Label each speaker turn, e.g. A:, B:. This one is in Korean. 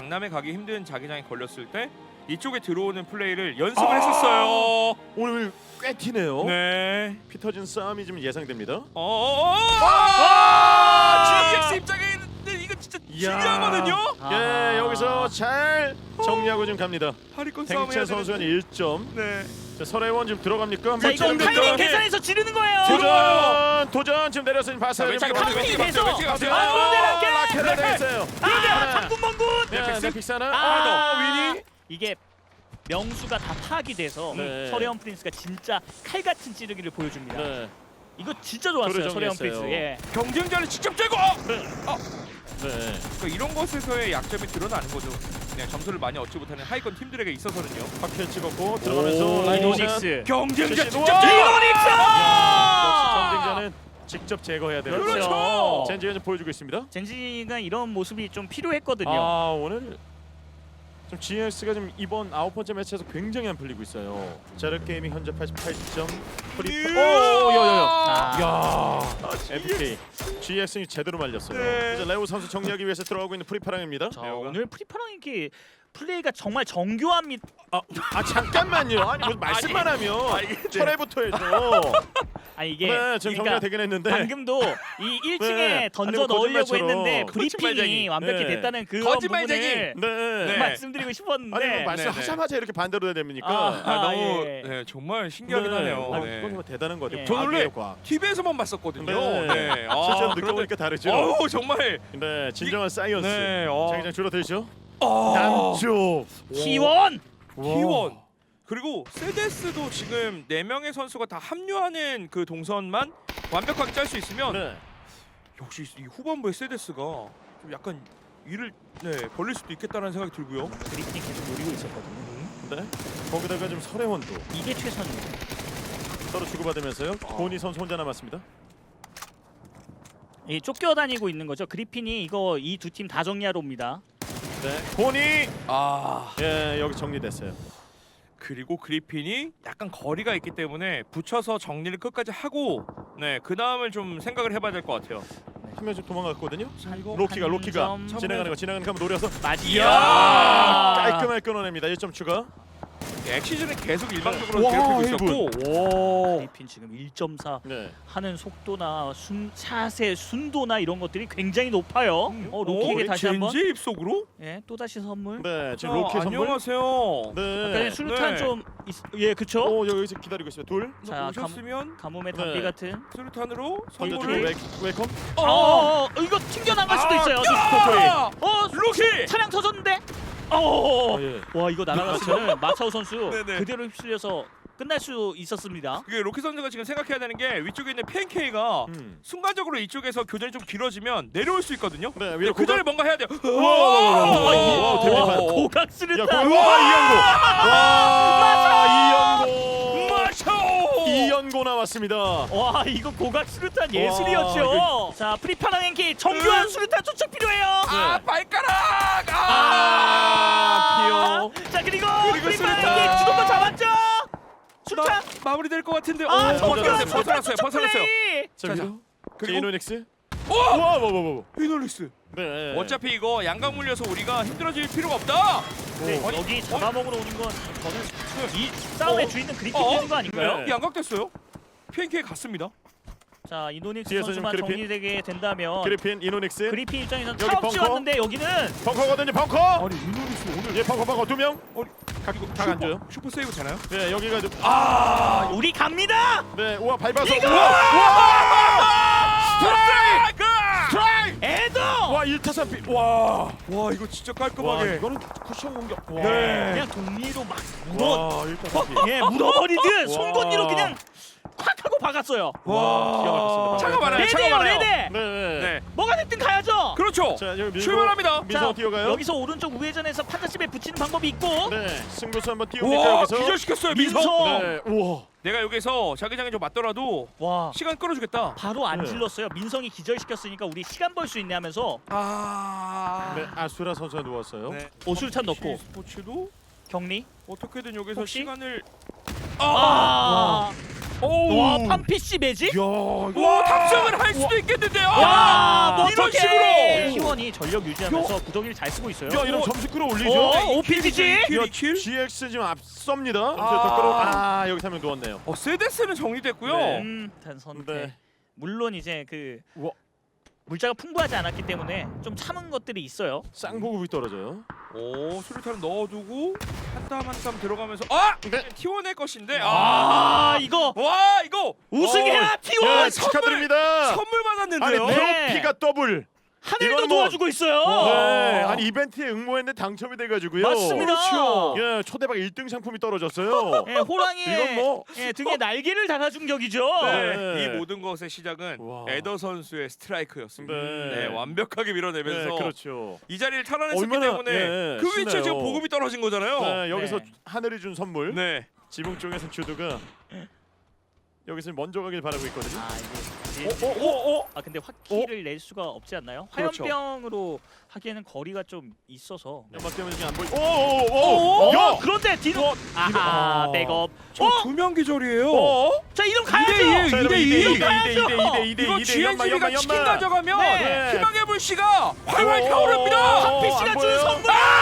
A: 강남에 가기 힘든 자기장에 걸렸을 때 이쪽에 들어오는 플레이를 연습을 했었어요.
B: 오늘 꽤 튀네요.
A: 네.
B: 피 터진 싸움이 좀 예상됩니다.
A: GX 입장에는 이거 진짜 중요하거든요.
B: 예, 여기서 잘 정리하고 좀 갑니다.
A: 하리권 싸움 해야
B: 댕채 선수는 1점.
A: 네.
B: 자, 설혜원 지금 들어갑니까?
C: 자 이거 타이밍 계산해서 지르는 거예요.
B: 도전 지금 내려서 봤어요.
A: 자,
C: 자, 타이밍이 돼서.
A: 왼쪽에 가세요.
C: 그런데
B: 라켓 되겠어요.
C: 장군 멍군.
B: 네, 픽사나.
A: 위니.
C: 이게 명수가 다 파악이 돼서
B: 네.
C: 서래원 프린스가 진짜 칼 같은 찌르기를 보여줍니다.
B: 네.
C: 이거 진짜 좋았어요,
B: 조를
C: 서래원
B: 정리했어요.
C: 프린스. 예.
A: 경쟁자를 직접 제거.
B: 네.
A: 그러니까 이런 것에서의 약점이 드러나는 거죠. 그냥 점수를 많이 얻지 못하는 하위권 팀들에게 있어서는요.
B: 파켓 찍었고 들어가면서 라인 오션.
C: 이노닉스.
A: 경쟁자
B: 제시,
A: 직접
B: 우와!
A: 제거.
C: 이노닉스!
B: 역시 경쟁자는 직접 제거해야 돼요.
A: 그렇죠.
B: 젠지가 좀 보여주고 있습니다.
C: 젠지가 이런 모습이 좀 필요했거든요.
B: 아, 오늘 좀 GX가 좀 이번 9번째 매치에서 굉장히 안 풀리고 있어요. 자르 게이밍 현재 88점. 프리. 오, 야야야. 야. FK. GX는 제대로 말렸어요.
A: 네.
B: 이제 레오 선수 정리하기 위해서 들어가고 있는 프리파랑입니다.
C: 자, 오늘 프리파랑이 플레이가 정말 정교합니다.
B: 잠깐만요. 아니 무슨 말씀만 하면 철회부터 해서.
C: 아니 이게
B: 네, 지금 정리가 되긴 했는데.
C: 방금도 이 1층에
B: 네.
C: 던져
B: 아니, 뭐
C: 넣으려고
B: 거짓말처럼.
C: 했는데
A: 거짓말쟁이.
C: 브리핑이 완벽히
B: 네.
C: 됐다는 그
A: 거짓말쟁이.
C: 부분을
B: 네.
C: 말씀드리고 싶었는데
B: 아니 뭐 말씀하자마자 이렇게 반대로 해야 됩니까?
C: 아,
A: 너무
C: 예.
A: 네, 정말 신기하긴 하네요.
B: 아,
A: 네.
B: 이건 뭐 대단한 것 같아요.
C: 예.
A: 저 원래
B: 과학이에요, 과학.
A: TV에서만 봤었거든요.
B: 네.
A: 네.
B: 실제로
A: 그런데-
B: 느껴보니까 다르죠.
A: 어우 정말.
B: 네, 진정한 사이언스.
A: 네.
B: 자기장 줄어들죠.
A: 어.
B: 남쪽
C: T1
A: T1. 그리고 세데스도 지금 4명의 선수가 다 합류하는 그 동선만 완벽하게 짤 수 있으면
B: 네.
A: 역시 이 후반부의 세데스가 좀 약간 위를 벌릴 수도 있겠다는 생각이 들고요.
C: 브리핑이 계속 노리고 있었거든요.
B: 네. 거기다가 좀 설혜원도
C: 이게 최선입니다.
B: 서로 주고받으면서요. 고니 선수 혼자 남았습니다.
C: 이 쫓겨다니고 있는 거죠. 그리핀이 이거 이 두 팀 다 정리하러 옵니다.
B: 네. 고니.
A: 아
B: 예, 여기 정리됐어요.
A: 그리고 그리핀이 약간 거리가 있기 때문에 붙여서 정리를 끝까지 하고 그 다음을 좀 생각을 해봐야 될 것 같아요.
B: 한 명 좀 도망갔거든요.
A: 자 이거
B: 로키가
C: 한 점.
B: 지나가는 거 노려서
C: 맞이야.
B: 깔끔하게 끊어냅니다. 1점 추가.
A: 엑시즌은 계속 일방적으로
B: 와,
A: 괴롭히고
B: 헤이븐.
A: 있었고
C: 그리핀 지금 1.4
B: 네.
C: 하는 속도나 샷의 순도나 이런 것들이 굉장히 높아요. 로키에게 다시 한번
A: 젠지 입속으로?
C: 또 다시 선물.
B: 네, 지금 로키 선물.
A: 안녕하세요.
B: 네.
C: 아까 수류탄
A: 네.
C: 좀 예, 그쵸?
B: 오, 여기서 기다리고 있어요. 둘.
C: 자,
A: 오셨으면
C: 가뭄의
B: 네.
C: 담비 같은.
A: 수류탄으로
B: 먼저
A: 선물을
B: 주고 웨이컴.
C: 이거 튕겨 나갈 수도 있어요.
A: 로키!
C: 차량 터졌는데.
B: 예.
C: 와 이거 날아갔으면 마차오 선수
A: 네네.
C: 그대로 휩쓸려서 끝날 수 있었습니다.
A: 그게 로키 선수가 지금 생각해야 되는 게 위쪽에 있는 PNK가 순간적으로 이쪽에서 교전이 좀 길어지면 내려올 수 있거든요.
B: 네,
A: 근데
B: 위로
A: 그 전에 뭔가 해야 돼요.
B: 와, 대박이다.
C: 고각
B: 야,
C: 수류탄.
B: 이연고.
A: 마샤오!
B: 이연고 나왔습니다.
C: 와 이거 고각 수류탄 예술이었죠.
B: 이거-
C: 자 프리파랑행키 정교한 수류탄 투척 필요해요.
A: 발가락!
B: 피어.
C: 자 그리고
A: 수류탄.
C: 프리파랑행키 주도권 잡았죠. 수류탄.
A: 마무리될 것 같은데.
C: 정교한
A: 벗어났어요.
C: 수류탄 투척
A: 벗어났어요.
C: 플레이.
B: 자,
A: 자,
B: 그리고
A: 그리고
B: 이노닉스.
A: 오!
B: 와.
A: 히놀리스.
B: 네.
A: 어차피 이거 양각 물려서 우리가 힘들어질 필요가 없다.
C: 네,
A: 아니,
C: 여기 잡아먹으러 오는 건 저는 이 싸움의 주인은 그리핀 되는 거 아닌가요?
B: 네.
A: 양각됐어요. PNK 갔습니다.
C: 자 이노닉스
B: 뒤에서
C: 선수만
B: 지금 그리핀.
C: 정리되게 된다면
B: 그리핀 이노닉스.
C: 그리핀 입장에서는
B: 여기
C: 차 없이
B: 벙커?
C: 왔는데 여기는
B: 벙커거든요. 벙커.
A: 아니 이노리스 오늘
B: 예, 벙커 두 명.
A: 다
B: 안 줘요.
A: 슈퍼 세이브 되나요?
B: 네, 여기가 좀.
C: 우리 갑니다.
B: 네, 우와 밟아서.
C: 이거!
A: 스트라이크!
C: 에도
B: 와, 1타선 비. 와.
A: 와 이거 진짜
B: 와,
A: 깔끔하게.
B: 이거는 쿠션 공격. 와.
A: 네.
C: 그냥 동리로 막 묻어
B: 와, 1타선 비.
C: 묻어버리듯
B: 와.
C: 송곳니로 그냥 콱 하고 박았어요.
B: 와, 기가 막혔습니다.
A: 차가 많아요.
C: 레드예요
A: 차가 많아요.
C: 레드.
B: 네.
A: 네.
C: 뭐가 됐든 가야죠.
A: 그렇죠.
B: 자, 여기 밀고
A: 출발합니다.
B: 민성 뛰어가요.
C: 여기서 오른쪽 우회전에서 판자집에 붙이는 방법이 있고.
B: 네, 승부수 한번 띄웁니까
A: 와
B: 여기서?
A: 기절시켰어요 민성.
C: 민성.
B: 네, 우와.
A: 내가 여기서 자기장에 좀 맞더라도
C: 와
A: 시간 끌어주겠다.
C: 바로 안
B: 네.
C: 질렀어요. 민성이 기절시켰으니까 우리 시간 벌 수 있네 하면서
B: 네, 아수라 선수가 누웠어요.
A: 네.
C: 오술탄 넣고
A: 스포츠도
C: 격리.
A: 어떻게든 여기서
C: 혹시?
A: 시간을
C: 아 와 판피씨 매직?
B: 야,
A: 와 탑승을 할 수도 있겠는데요.
C: 와
A: 이런
C: 멋지게
A: 식으로.
C: T1이 전력 유지하면서 구덩이를 잘 쓰고 있어요.
B: 야 이런 점수 끌어올리죠.
C: OPGG?
A: 킬.
B: GX 지금 앞섭니다.
A: 아.
B: 여기 한 명 누웠네요.
A: 세데스는 정리됐고요.
B: 네.
C: 단 선택.
B: 네.
C: 물론 이제 그
B: 우와.
C: 물자가 풍부하지 않았기 때문에 좀 참은 것들이 있어요.
B: 쌍보급이 떨어져요.
A: 오 수류탄 넣어두고 한 땀 한 땀 들어가면서
B: 네.
A: T1의 것인데
C: 이거
A: 와 이거
C: 우승해라 T1
B: 네, 축하드립니다.
A: 선물
B: 아니
A: 받았는데요.
C: 네.
B: 트로피가 더블.
C: 하늘도
B: 이건 뭐-
C: 도와주고 있어요.
B: 네. 아니 이벤트에 응모했는데 당첨이 돼가지고요.
C: 맞습니다.
A: 그렇죠.
B: 예, 초대박 1등 상품이 떨어졌어요.
C: 예, 호랑이의
B: 이건 뭐-
C: 등에 날개를 달아준 격이죠.
B: 네.
A: 이 모든 것의 시작은
B: 와.
A: 에더 선수의 스트라이크였습니다.
B: 네.
A: 네, 완벽하게 밀어내면서
B: 네, 그렇죠.
A: 이 자리를 탈환했기
B: 얼마나,
A: 때문에
B: 예,
A: 그 위치에
B: 신나요.
A: 지금 보급이 떨어진 거잖아요.
B: 네, 여기서
C: 네.
B: 하늘이 준 선물.
A: 네.
B: 지붕 쪽에서 주도가 여기서 먼저 가길 바라고 있거든요.
A: 오.
C: 근데 화키를 낼 수가 없지 않나요?
A: 그렇죠.
C: 화염병으로 하기에는 거리가 좀 있어서.
B: 연막 때문에 지금 안 보이.
C: 오!
B: 야!
C: 그런데 디노 아하
B: 어.
C: 백업.
A: 두명 기절이에요.
C: 자 이름
A: 2대2.
C: 가야죠.
B: 자, 여러분,
A: 2대2.
B: 2대2.
A: 이거 GNGB가 치킨 가져가면
C: 네.
A: 희망의 불씨가 활활
B: 오.
A: 타오릅니다.
C: 한피씨가
B: 안
C: 준
B: 보여요?
C: 선물.